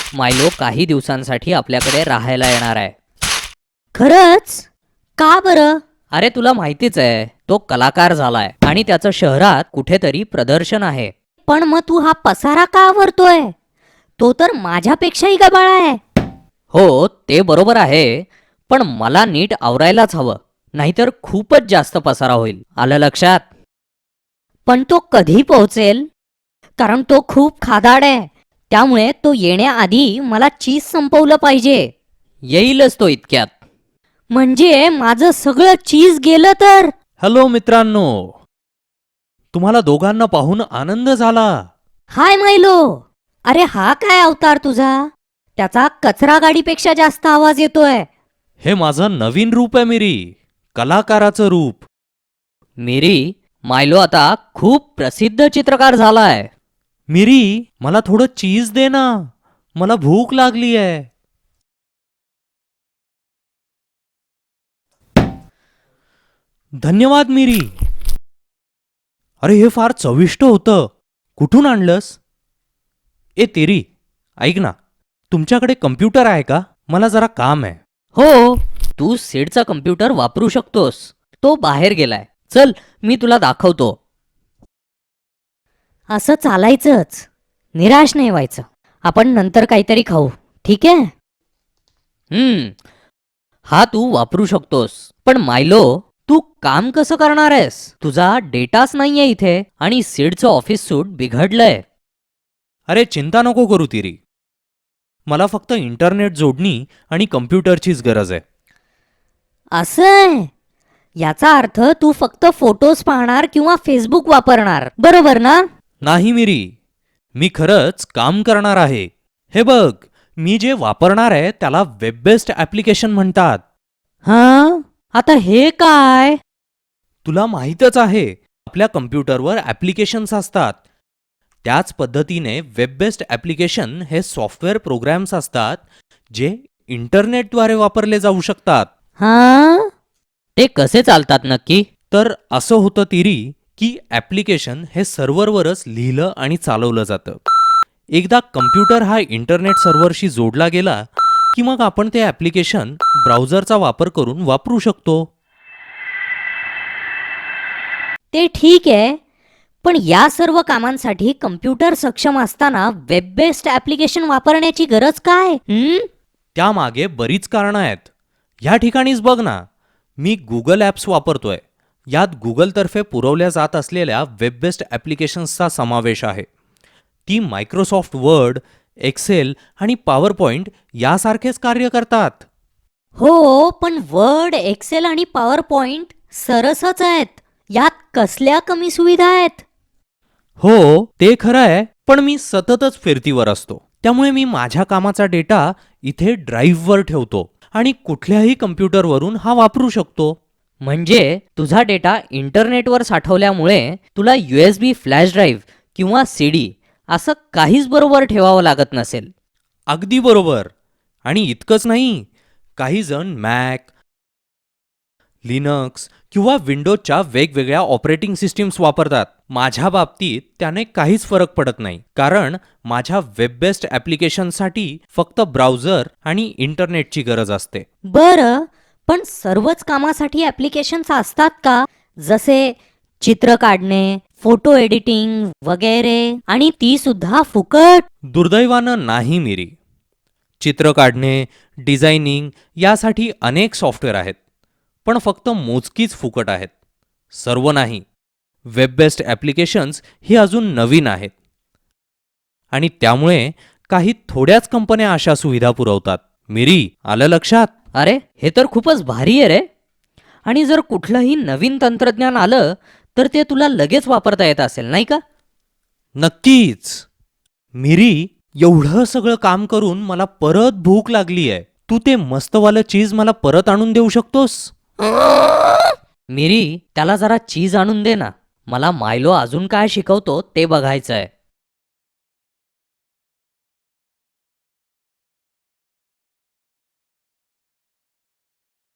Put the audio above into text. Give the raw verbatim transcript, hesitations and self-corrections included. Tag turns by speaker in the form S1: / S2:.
S1: मायलो काही दिवसांसाठी आपल्याकडे राहायला येणार आहे.
S2: खरंच? का बरं?
S1: अरे तुला माहितीच आहे, तो कलाकार झालाय आणि त्याचं शहरात कुठेतरी प्रदर्शन आहे.
S2: पण मग तू हा पसारा का आवरतोय? तो तर माझ्यापेक्षाही गबाळा आहे.
S1: हो ते बरोबर आहे, पण मला नीट आवरायलाच हवं, नाहीतर खूपच जास्त पसारा होईल. आलं लक्षात?
S2: पण तो कधी पोहोचेल? कारण तो खूप खादाड आहे. त्यामुळे तो येण्याआधी मला चीज संपवलं पाहिजे.
S1: येईलच तो इतक्यात.
S2: म्हणजे माझं सगळं चीज गेलं तर?
S3: हॅलो मित्रांनो, तुम्हाला दोघांना पाहून आनंद झाला.
S2: हाय मायलो. अरे हा काय अवतार तुझा? त्याचा कचरा गाडीपेक्षा जास्त आवाज येतोय.
S3: हे माझं नवीन रूप आहे मिरी, कलाकाराचं रूप.
S1: मिरी, मायलो आता खूप प्रसिद्ध चित्रकार झालाय.
S3: मिरी, मला थोडं चीज दे ना, मला भूक लागली आहे. धन्यवाद मिरी. अरे हे फार चविष्ट होतं. कुठून आणलंस? ए तेरी, ऐक ना, तुमच्याकडे कम्प्युटर आहे का? मला जरा काम आहे.
S1: हो, तू सीडचा कम्प्युटर वापरू शकतोस. तो बाहेर गेलाय. चल मी तुला दाखवतो.
S2: असं चालायचंच. निराश नाही व्हायचं. आपण नंतर काहीतरी खाऊ, ठीक आहे?
S1: हम्म हा तू वापरू शकतोस. पण मायलो, तू काम कसं करणार आहेस? तुझा डेटाच नाहीये इथे आणि सीडचं ऑफिस सूट बिघडलंय.
S3: अरे चिंता नको करू तिरी, मला फक्त इंटरनेट जोडणी आणि कम्प्युटरचीच गरज आहे.
S2: असं आहे? याचा अर्थ तू फक्त फोटोज पाहणार किंवा फेसबुक वापरणार, बरोबर ना?
S3: नाही मिरी, मी खरंच काम करणार आहे. हे बघ, मी जे वापरणार आहे त्याला वेब बेस्ड ॲप्लिकेशन म्हणतात.
S2: हां, आता हे काय?
S3: तुला माहीतच आहे, आपल्या कम्प्युटरवर ॲप्लिकेशन्स असतात. त्याच पद्धतीने वेब बेस्ड ॲप्लिकेशन हे सॉफ्टवेअर प्रोग्रॅम्स असतात जे इंटरनेटद्वारे वापरले जाऊ शकतात.
S2: हां,
S1: ते कसे चालतात नक्की?
S3: तर असं होतं तिरी की ॲप्लिकेशन हे सर्व्हरवरच लिहिलं आणि चालवलं जातं. एकदा कम्प्युटर हा इंटरनेट सर्व्हरशी जोडला गेला की मग आपण ते ॲप्लिकेशन ब्राउझरचा वापर करून वापरू शकतो.
S2: ते ठीक आहे. पण या सर्व कामांसाठी कम्प्युटर सक्षम असताना वेब बेस्ड ॲप्लिकेशन वापरण्याची गरज काय? हं?
S3: त्यामागे बरीच कारणं आहेत. ह्या ठिकाणीच बघ ना, मी गुगल ॲप्स वापरतोय. यात गुगलतर्फे पुरवल्या जात असलेल्या वेब बेस्ड ॲप्लिकेशन्सचा समावेश आहे. ती मायक्रोसॉफ्ट वर्ड, एक्सेल आणि पॉवर पॉइंट यासारखेच कार्य करतात.
S2: हो, पण वर्ड, एक्सेल आणि पॉवर पॉइंट सरसच आहेत. यात कसल्या कमी सुविधा आहेत?
S3: हो ते खरं आहे, पण मी सततच फिरतीवर असतो. त्यामुळे मी माझ्या कामाचा डेटा इथे ड्राईव्हवर ठेवतो आणि कुठल्याही कम्प्युटरवरून हा वापरू शकतो.
S1: म्हणजे तुझा डेटा इंटरनेटवर साठवल्यामुळे तुला यूएसबी फ्लॅश ड्राईव्ह किंवा सीडी असं काहीच बरोबर ठेवावं लागत नसेल.
S3: अगदी बरोबर. आणि इतकंच नाही, काही जण मॅक, लिनक्स किंवा विंडोजच्या वेगवेगळ्या ऑपरेटिंग सिस्टीम्स वापरतात. माझ्या बाबतीत त्याने काहीच फरक पडत नाही, कारण माझ्या वेब बेस्ड ॲप्लिकेशनसाठी फक्त ब्राउझर आणि इंटरनेटची गरज असते.
S2: बरं, पण सर्वच कामासाठी ॲप्लिकेशन्स असतात का? जसे चित्र काढणे, फोटो एडिटिंग वगैरे, आणि ती सुद्धा फुकट?
S3: दुर्दैवानं नाही मिरी. चित्र काढणे, डिझायनिंग यासाठी अनेक सॉफ्टवेअर आहेत, पण फक्त मोजकीच फुकट आहेत. सर्व नाही. वेब बेस्ड ॲप्लिकेशन्स ही अजून नवीन आहेत आणि त्यामुळे काही थोड्याच कंपन्या अशा सुविधा पुरवतात. मिरी, आलं लक्षात?
S1: अरे हे तर खूपच भारी आहे रे. आणि जर कुठलंही नवीन तंत्रज्ञान आलं तर ते तुला लगेच वापरता येत असेल, नाही का?
S3: नक्कीच. मिरी, एवढं सगळं काम करून मला परत भूक लागली आहे. तू ते मस्तवालं चीज मला परत आणून देऊ शकतोस?
S1: मिरी, त्याला जरा चीज आणून दे ना. मला मायलो अजून काय शिकवतो ते बघायचं आहे.